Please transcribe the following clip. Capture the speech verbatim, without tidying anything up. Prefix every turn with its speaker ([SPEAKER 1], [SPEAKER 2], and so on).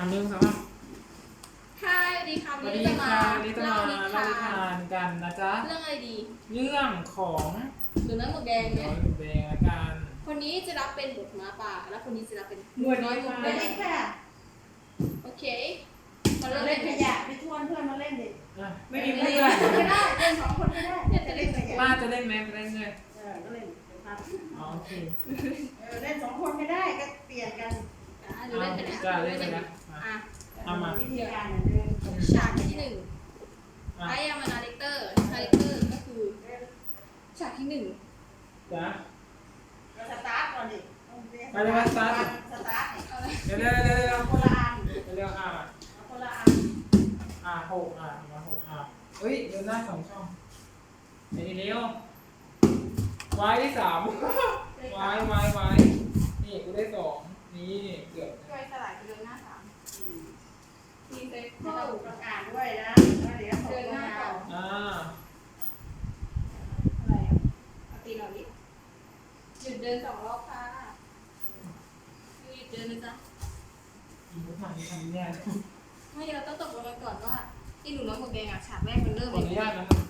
[SPEAKER 1] หนึ่งสองสาม
[SPEAKER 2] ค่ะสวัสดีค่ะ
[SPEAKER 1] ส
[SPEAKER 2] วั
[SPEAKER 1] วัน ส
[SPEAKER 2] นี้
[SPEAKER 1] ดี
[SPEAKER 2] จะมา
[SPEAKER 1] ค่ะวันนี้จะมา
[SPEAKER 2] เล่านิ
[SPEAKER 1] เล่า
[SPEAKER 2] ทา
[SPEAKER 1] นิทาน นกันนะจ๊ะ
[SPEAKER 2] เรื่องอะไรดี
[SPEAKER 1] เรื่องของ
[SPEAKER 2] หรือเรื่องหมวกแดง
[SPEAKER 1] น้
[SPEAKER 2] เนี่
[SPEAKER 1] อย ยหมูแดงละกัน
[SPEAKER 2] คนนี้จะรับเป็นบทหมาป่า แล้วคนนี้จะรับเป็น
[SPEAKER 1] หมวด
[SPEAKER 2] น้อยหมวกแด
[SPEAKER 3] ไม่
[SPEAKER 2] ง
[SPEAKER 3] ได้ค่ะ
[SPEAKER 2] โอเคมา
[SPEAKER 3] เรา
[SPEAKER 2] เริ่ม
[SPEAKER 3] เล่
[SPEAKER 2] เล่
[SPEAKER 3] น
[SPEAKER 2] น
[SPEAKER 3] ข
[SPEAKER 2] ขยะ
[SPEAKER 3] ยะไปชวนเพื่อนมาเล่นดิ
[SPEAKER 1] อ่ะไม่มีเพื่อน
[SPEAKER 3] ก็ได้เล่นสองคนก็ได้จะเล่นขยะ
[SPEAKER 1] ป้าจะเล่นไหมจะเล่นเลย
[SPEAKER 3] เออก็เล่นเป็นพัก
[SPEAKER 1] อ๋อโอเค
[SPEAKER 3] เออเล่นสองคนก็ได้ก็เปลี่ยนกัน
[SPEAKER 2] อ่ะหรือเล่นขยะ
[SPEAKER 1] จ้าเล่นไปนะ
[SPEAKER 2] อ่ะ
[SPEAKER 1] เอามา
[SPEAKER 3] วิธีการเหมือนเดิม
[SPEAKER 2] ฉากที่หนึ่ง
[SPEAKER 1] อ่ะ
[SPEAKER 2] ไอ้ยามานาเลกเตอร์นาเลกเตอร์ก็คือฉากที่หนึ่ง
[SPEAKER 1] จ้ะ
[SPEAKER 3] เราสตาร์ทก่อนดิ
[SPEAKER 1] ไปเลยมาสตาร์ท
[SPEAKER 3] สตาร์ทเนี่ย
[SPEAKER 2] เอาเลย
[SPEAKER 1] เร็วเร็วเร็วเร็ว
[SPEAKER 3] เอาคนละอัน
[SPEAKER 1] เร็วเร็วอ่ะ
[SPEAKER 3] เอาคนละอัน
[SPEAKER 1] อ่ะหกอ่ะมาหกอ่ะเฮ้ยเดินหน้าสองช่องเร็วเร็วไว้ที่สามไว้ไว้ไว้นี่กูได้สองนี่เกือบ
[SPEAKER 2] ช่วยสลายเดินหน้าสาม
[SPEAKER 3] อืม
[SPEAKER 2] ทีเซฟ
[SPEAKER 3] ให้
[SPEAKER 2] เคิล
[SPEAKER 3] เราประกาศด้วยนะแล้วเดี๋ยวส่งลงมาเอา
[SPEAKER 1] อ่า
[SPEAKER 2] อะไรอ่ะเอาตีเราดิหยุดเดินสองรอบค่ะหยุดเดินนะจ๊ะ
[SPEAKER 1] อีกไม่ทันไม่ทันแน่
[SPEAKER 2] ไม่เราต้องตกลงกันก่อนว่าไอ้หนูน้อยหมวกแดงอ่ะฉากแรกมันเริ่ม
[SPEAKER 1] ขออนุญาตนะมัน